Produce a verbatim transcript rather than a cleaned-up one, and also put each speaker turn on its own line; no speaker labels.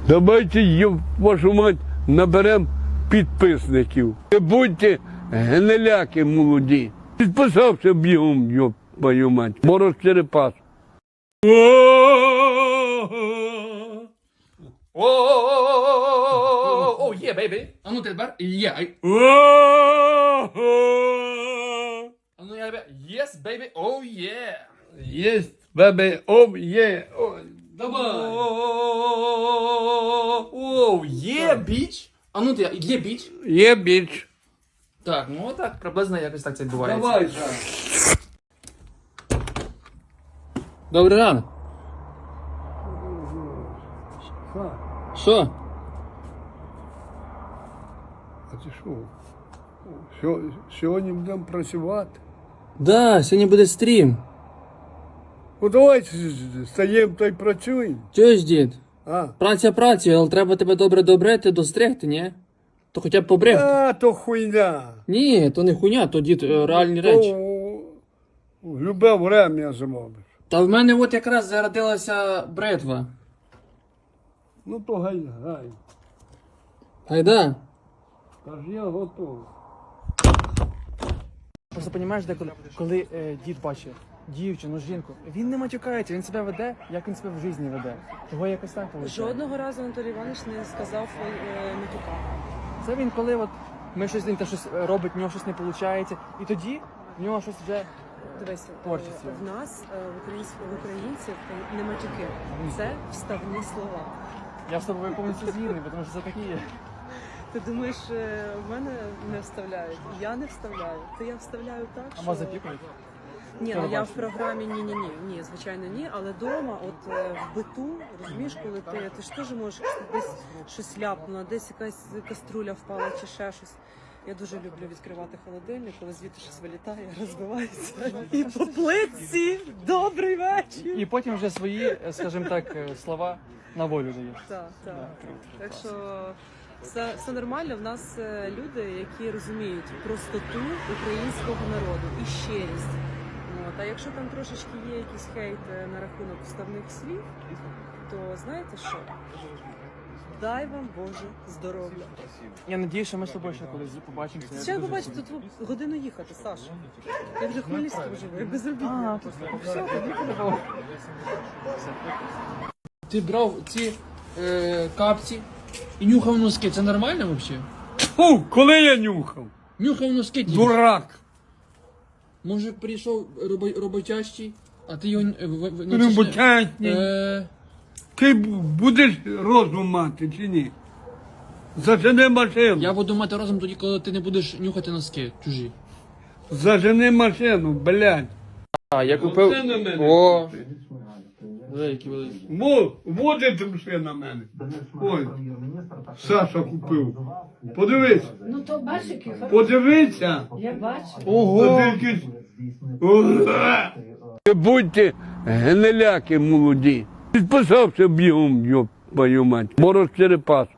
Давайте, ёб вашу мать, наберемо підписників. Не будьте гниляки молоді. Підписався бігом, ёб твою мать. Мороз Черепас.
О, є, бейбі. А ну тепер є. А ну я тебе. Yes, baby. Oh, yeah.
Єсть, бебе, ом, є.
Давай. Оу, є, біч. А ну ти, є біч.
Є біч.
Так, ну так, приблизно якось так це відбувається.
Давай,
Добрий ранок. Що?
А ти що? Сьо- Сьогодні будемо працювати.
Да, сьогодні буде стрім.
Ну давай стаємо та й працюємо.
Чуєш, дід?
А,
Праця працею, але треба тебе добре добрити, достригти, ні? То хоча б побрехти.
а то хуйня.
Ні, то не хуйня, то дід е, реальні речі.
То в любе время зробиш.
Та в мене от якраз зародилася бритва.
Ну то гай, гай.
Гайда.
Та ж я готовий.
Просто розумієш, де коли, коли е, дід бачить дівчину, жінку, він не матюкається, він себе веде, як він себе в житті веде. Того якось так виходить.
Жодного разу Анатолій Іванович не сказав е, матюка.
Це він, коли от ми щось він те щось робить, в нього щось не виходить, і тоді в нього щось вже
Дивись, е,
Творчість.
в нас, е, в українців, в українців е, не матюки. Це вставні слова.
я з тобою повністю згідний, тому що це такі є.
Ти думаєш, е, в мене не вставляють? Я не вставляю. То я вставляю так,
А
що...
вас запікують?
Ні, ну я в програмі ні-ні-ні, ні, звичайно, ні, але вдома, от е, в биту, розумієш, коли ти, ти ж теж можеш десь щось ляпнуло, десь якась каструля впала чи ще щось. Я дуже люблю відкривати холодильник, коли звідти щось вилітає, розбивається. І по плитці добрий вечір.
І потім вже свої, е, скажімо так, е, слова на волю даєш.
Так, так. Так що все, все нормально. В нас е, люди, які розуміють простоту українського народу і щирість. От. А якщо там трошечки є якийсь хейт е, на рахунок вставних слів, то знаєте що? Дай вам Боже здоров'я.
Я надію, що ми з тобою ще колись побачимося. Я
Ще
дуже
побачите, тут годину їхати, Саша. Я вже хмельницький живу, я безробітна.
А, то все, тоді подобало.
Ти брав ці е, капці і нюхав носки. Це нормально взагалі?
Фу, коли я нюхав?
Нюхав носки, дід.
Дурак.
Може прийшов робо- роботящий, а ти його... е, в- в- ну, це ж не-
Роботятні.
Е,
Ти б- будеш розум мати чи ні? Зажени машину.
Я буду мати розум тоді, коли ти не будеш нюхати носки чужі.
Зажени машину, блядь.
А, я
купив- Оце на мене.
О! Великий, великий.
Во, водить вже на мене. Ой, Саша купив. Подивись,
Ну то бачиш, який хороший.
подивися.
Я бачу.
Ого!
Не будьте гниляки молоді. Підписався бігом, ёб твою мать. Мороз Черепас.